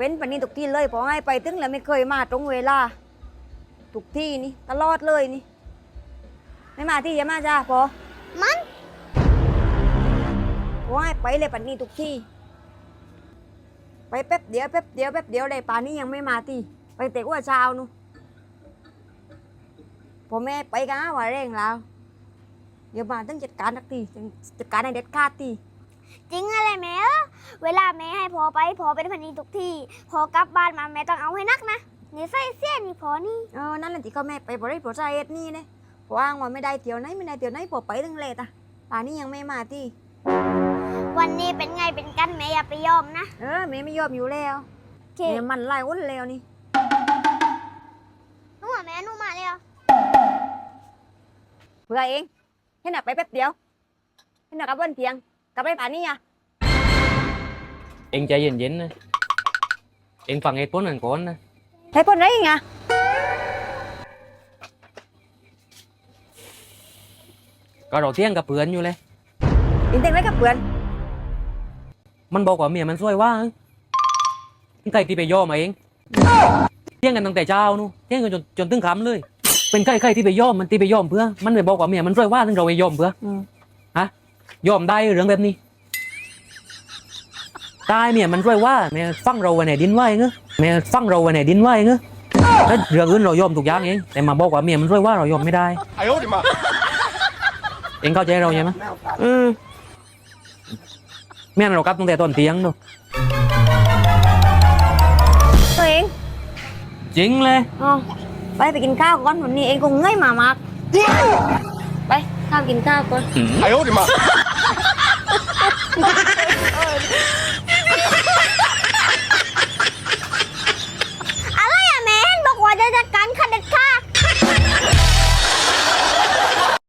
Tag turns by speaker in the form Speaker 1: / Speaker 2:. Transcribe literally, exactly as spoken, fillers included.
Speaker 1: เป็นปันนี้ทุกที่เลยพอให้ไปถึงแล้วไม่เคยมาตรงเวลาทุกที่นี่ตลอดเลยนี่ไม่มาที่จะมาจ้าพอ
Speaker 2: มัน
Speaker 1: พอให้ไปเลยปันนี้ทุกที่ไปแป๊บเดียวแป๊บเดียวแป๊บเดียวเลยป่านนี้ยังไม่มาที่ไปเตะว่าเช้านู่พอแม่ไปกันว่าเร่งแล้วเดี๋ยวมาต้องจัดการสักทีจัดการให้เด็ดขาดที
Speaker 2: จริงอะไรแม่เออเวลาแม่ให้พอไปพอเป็นพันนีทุกที่พอกลับบ้านมาแม่ต้องเอาให้นักนะนี่ใส่เสี้ยนี่พอนี่
Speaker 1: เออนั่นแหละที่เขาแม่ไปบริโภคใจเอ็ดนี่เนี่ยพออ้างว่าไม่ได้เที่ยวไหนไม่ได้เที่ยวไหนพอไปตั้งเลทอ่ะป่านนี้ยังไม่มาที่
Speaker 2: วันนี้เป็นไงเป็นกันแม่อย่าไปยอมนะ
Speaker 1: เออแม่ไม่ยอมอยู่แล้ว
Speaker 2: โอเค
Speaker 1: แม่มันไล่อ้นแล้วนี่
Speaker 2: นู่นแม่นู่นมาเลยอ่ะ
Speaker 1: เพื่อเองให้หนักไปแป๊บเดียวให้หนักกับวันเพียงกลับไปป่านนี้อ่ะ
Speaker 3: เองใจเย็นๆนะเองฟังเหตุผลนั่นก่อนนะ
Speaker 1: ให้คนไรไง
Speaker 3: ก็เราเที่ยงกับเพื่อนอยู่เลย
Speaker 1: อินเต็งไรกับเพื่อน
Speaker 3: มันบอกว่าเมียมันช่วยว่าใครที่ไปย่อมาเองเที่ยงกันตั้งแต่เช้านู่นเที่ยงกันจนจนถึงค่ำเลย เป็นใครใครที่ไปย่อมมันที่ไปย่อมเพื่อมันไปบอกว่าเมียมันช่วยว่าถึงเราไปย่อมเพื่อ
Speaker 1: อืม
Speaker 3: ฮะย่อมได้เรื่องแบบนี้ตายเมียมันช่วยว่าเมียฟังเราไว้ไหนดินไหวเงื้อเมียฟังเราไว้ไหนดินไหวเงื้อแล้วเรื่องอื่นเรายอมทุกอย่างเองแต่มาบอกว่าเมียมันช่วยว่าเรายอมไม่ได้
Speaker 4: 哎呦我的妈！
Speaker 3: เองเข้าใจเราใช่ไหม
Speaker 1: อืม
Speaker 3: เมียเรากลับตั้งแต่ตอนเที่ยงดู
Speaker 1: ตัวเอง
Speaker 3: จริงเลย
Speaker 1: อ๋อไปไปกินข้าวก่อนวันนี้เองคงเงยมามากไปข้าวกินข้าวก่อน
Speaker 4: 哎呦我的妈！